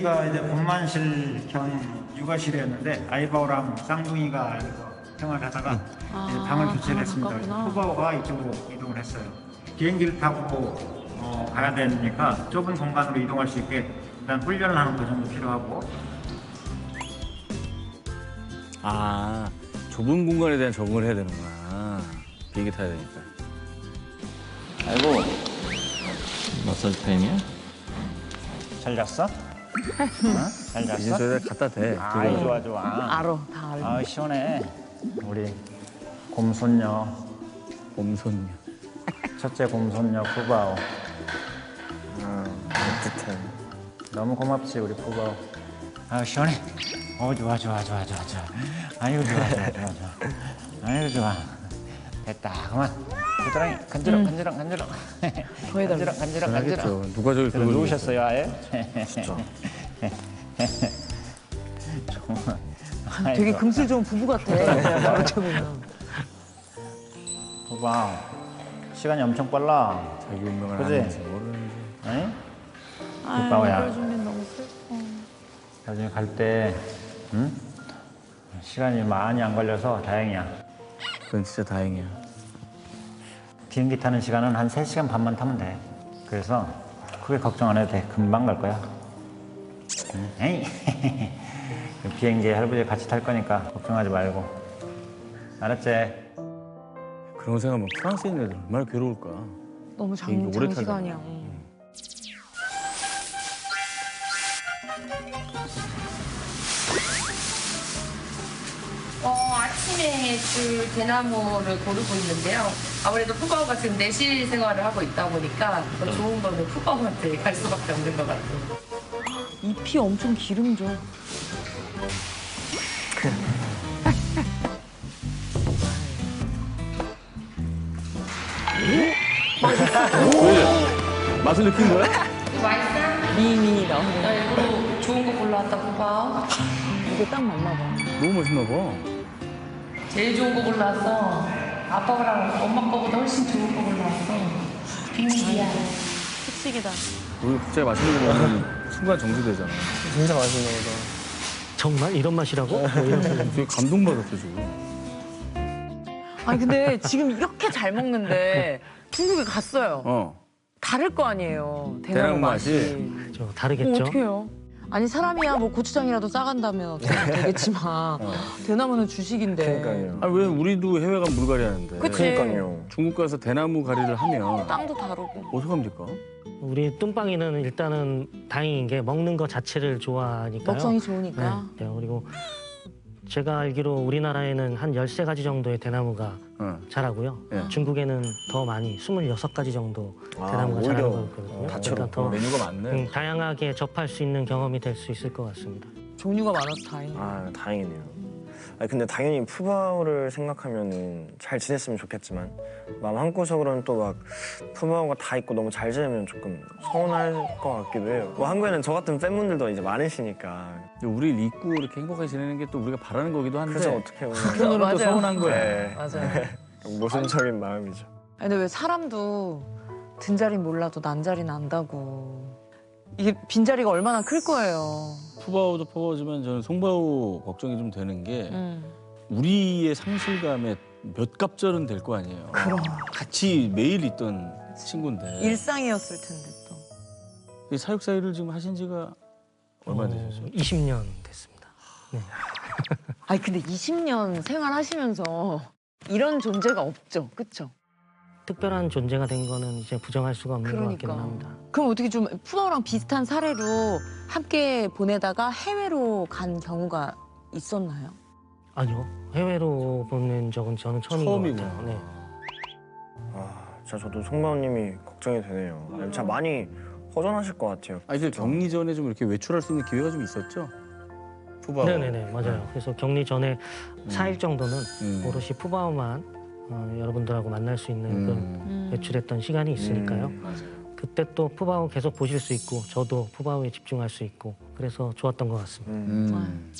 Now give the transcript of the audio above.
여기가 이제 본만실 겸 육아실이었는데 아이바오랑 쌍둥이가 이거 생활하다가 이제 방을 교체를 했습니다. 푸바오가 이쪽으로 이동을 했어요. 비행기를 타고 가야 되니까 좁은 공간으로 이동할 수 있게 일단 훈련을 하는 거 정도 필요하고. 아, 좁은 공간에 대한 적응을 해야 되는구나. 비행기 타야 되니까. 아이고, 마사지 타임이야? 잘 잤어? 잘 이제 잤어? 저희가 갖다 대. 아이 좋아 좋아. 알어, 다 알어. 아 시원해. 우리 곰손녀, 곰손녀. 첫째 곰손녀 푸바오. 따뜻해. 너무 고맙지 우리 푸바오. 아 시원해. 좋아. 아이고 좋아. 아이고 좋아. 됐다 그만. 부드랑이 간지러. 더 해달라. 간지러. 하겠죠. 누가 저기 그걸 누우셨어요 아예? 진짜. 정말. 되게 금슬 좋은 부부 같아. 이렇게 보면. 푸바오. 시간이 엄청 빨라. 자기 운명을 그지? 하면서 모르는지. 응? 아유, 푸바오야. 그래주면 너무 슬퍼. 나중에 갈 때, 응? 시간이 많이 안 걸려서 다행이야. 그건 진짜 다행이야. 비행기 타는 시간은 한 3시간 반만 타면 돼. 그래서 크게 걱정 안 해도 돼. 금방 갈 거야. 응? 에이. 비행기에 할아버지 같이 탈 거니까 걱정하지 말고. 알았지? 그런 거 생각하면 프랑스에 있는 애들 얼마나 괴로울까. 너무 비행기 오래 장시간이야. 아침에 줄 대나무를 고르고 있는데요. 아무래도 푸바오가 지금 내실 생활을 하고 있다 보니까 더 좋은 거는 푸바오한테 갈 수밖에 없는 것 같아요. 잎이 엄청 기름져. 왜? 맛을 느낀 거야? 맛있어? 미니 나오는 나 일부러 좋은 거 골라왔다, 푸바오. 이게 딱 맞나 봐. 너무 맛있나 봐. 제일 좋은 거 골라왔어. 아빠랑 엄마 거보다 훨씬 좋은 거 골라왔어. 비밀이야. 특식이다. 우리 갑자기 맛있는 거 먹으면 순간 정지되잖아. 진짜 맛있나 보다. 정말 이런 맛이라고? 뭐 이런 되게 감동받았어, 지금. 아니 근데 지금 이렇게 잘 먹는데 중국에 갔어요. 다를 거 아니에요. 대나무 대나무 맛이. 저 다르겠죠? 어떡해요? 아니 사람이야 뭐 고추장이라도 싸간다면 어떻게 되겠지만 대나무는 주식인데. 그러니까요. 아니, 왜 우리도 해외 가면 물갈이 하는데. 그치. 그러니까요. 중국 가서 대나무 가리를 하면 땅도 다르고. 어떡합니까? 우리 뚱빵이는 일단은 다행인 게 먹는 거 자체를 좋아하니까요. 먹성이 좋으니까. 네, 그리고 제가 알기로 우리나라에는 한 13가지 정도의 대나무가 자라고요. 네. 중국에는 더 많이 26가지 정도 대나무가 오히려 자라는 거거든요. 다채롭고 더 메뉴가 많네. 다양하게 접할 수 있는 경험이 될 수 있을 것 같습니다. 종류가 많아서 다행이에요. 아, 다행이네요. 아니, 근데 당연히 푸바오를 생각하면은 잘 지냈으면 좋겠지만 마음 한구석으로는 또 막 푸바오가 다 있고 너무 잘 지내면 조금 서운할 것 같기도 해요. 뭐 한국에는 저 같은 팬분들도 이제 많으시니까. 근데 우리 잊고 이렇게 행복하게 지내는 게 또 우리가 바라는 거기도 한데. 그래서 어떻게 보면 한편으로는 또 맞아요. 서운한 거야. 네, 맞아요. 모순적인 마음이죠. 아니, 근데 왜 사람도 든자리 몰라도 난자리 난다고. 이게 빈자리가 얼마나 클 거예요. 푸바오도 푸바오지만 저는 송바오 걱정이 좀 되는 게 우리의 상실감에 몇 갑절은 될 거 아니에요. 그럼. 같이 매일 있던 친구인데. 일상이었을 텐데 또. 이 사육 사이를 지금 하신 지가 얼마나 되셨어요? 20년 됐습니다. 네. 아니 근데 20년 생활하시면서 이런 존재가 없죠, 그렇죠? 특별한 존재가 된 거는 이제 부정할 수가 없는 것 같기는 그러니까. 합니다. 그럼 어떻게 좀 푸바오랑 비슷한 사례로 함께 보내다가 해외로 간 경우가 있었나요? 아니요. 해외로 보낸 적은 저는 처음인 것 처음이구나. 같아요. 네. 아, 진짜 저도 송바오님이 걱정이 되네요. 진짜 많이 허전하실 것 같아요. 아니, 그 격리 전에 좀 이렇게 외출할 수 있는 기회가 좀 있었죠? 푸바오. 네네네, 맞아요. 그래서 격리 전에 4일 정도는 오롯이 푸바오만 여러분들하고 만날 수 있는 그런 외출했던 시간이 있으니까요. 맞아요. 그때 또 푸바오 계속 보실 수 있고 저도 푸바오에 집중할 수 있고 그래서 좋았던 것 같습니다.